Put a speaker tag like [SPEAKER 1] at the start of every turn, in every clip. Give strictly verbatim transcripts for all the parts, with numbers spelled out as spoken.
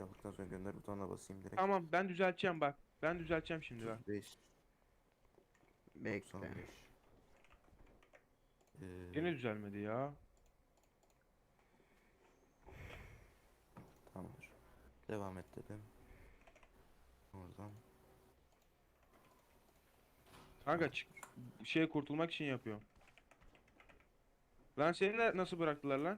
[SPEAKER 1] yaptıktan sonra gönder butonuna basayım direkt.
[SPEAKER 2] Tamam ben düzelteceğim bak. Ben düzelteceğim şimdi bak.
[SPEAKER 1] otuz beş
[SPEAKER 3] Bekle.
[SPEAKER 1] doksan beş. Ee,
[SPEAKER 2] Gene düzelmedi ya.
[SPEAKER 1] tamamdır. Devam et dedim. Oradan.
[SPEAKER 2] Kanka çık şeye kurtulmak için yapıyorum. Lan seni de nasıl bıraktılar lan?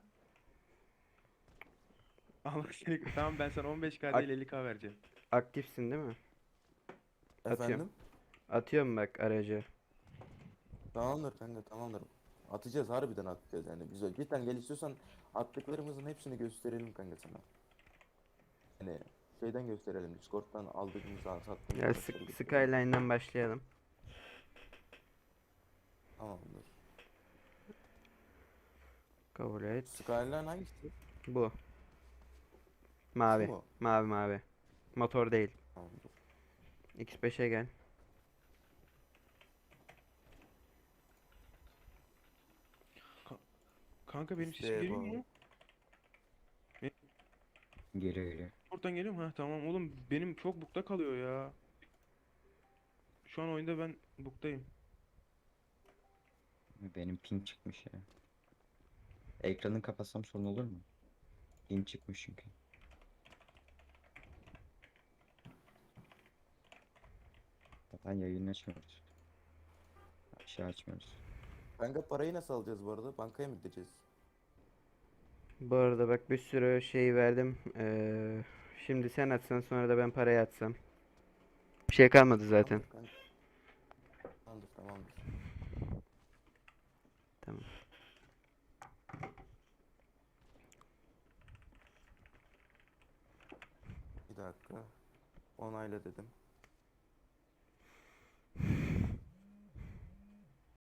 [SPEAKER 2] Allah seni tamam ben sana on beş K değil
[SPEAKER 3] Ak-
[SPEAKER 2] elli K vereceğim.
[SPEAKER 3] aktifsin değil mi? Atıyorum.
[SPEAKER 1] Efendim?
[SPEAKER 3] Atıyorum bak aracı.
[SPEAKER 1] Tamamdır kanka, tamamdır. Atacağız, harbiden atacağız yani. Biz cidden gel, istiyorsan attıklarımızın hepsini gösterelim kanka sana. Hani şeyden gösterelim, Discord'dan aldığımız, sattığımız
[SPEAKER 3] Gel
[SPEAKER 1] araçları
[SPEAKER 3] Sk-
[SPEAKER 1] gösterelim.
[SPEAKER 3] Skyline'dan başlayalım.
[SPEAKER 1] Tamamdır.
[SPEAKER 3] Kabul et.
[SPEAKER 1] Skyline hangisi?
[SPEAKER 3] Bu.
[SPEAKER 1] Şu
[SPEAKER 3] Mavi.
[SPEAKER 1] mu?
[SPEAKER 3] Mavi mavi. Motor değil.
[SPEAKER 1] Tamamdır.
[SPEAKER 3] X beşe gel.
[SPEAKER 2] Kanka benim sesim
[SPEAKER 1] İşte
[SPEAKER 2] geliyor
[SPEAKER 1] bu.
[SPEAKER 2] mu?
[SPEAKER 4] Geliyor geliyor.
[SPEAKER 2] Oradan geliyor mu? Ha tamam oğlum benim çok bukta kalıyor ya. Şu an oyunda ben buktayım.
[SPEAKER 4] Benim ping çıkmış ya. Ekranı kapatsam sorun olur mu? Ping çıkmış çünkü. Zaten yayını açmıyoruz. Bir şey açmıyoruz.
[SPEAKER 1] Kanka parayı nasıl alacağız bu arada? Bankaya mı gideceğiz?
[SPEAKER 3] Bu arada bak bir sürü şey verdim. Ee, şimdi sen atsan sonra da ben parayı atsam. Bir şey kalmadı zaten.
[SPEAKER 1] Tamamdır kanka. Tamamdır, tamamdır.
[SPEAKER 3] Tamam.
[SPEAKER 1] Bir dakika. Onayla dedim.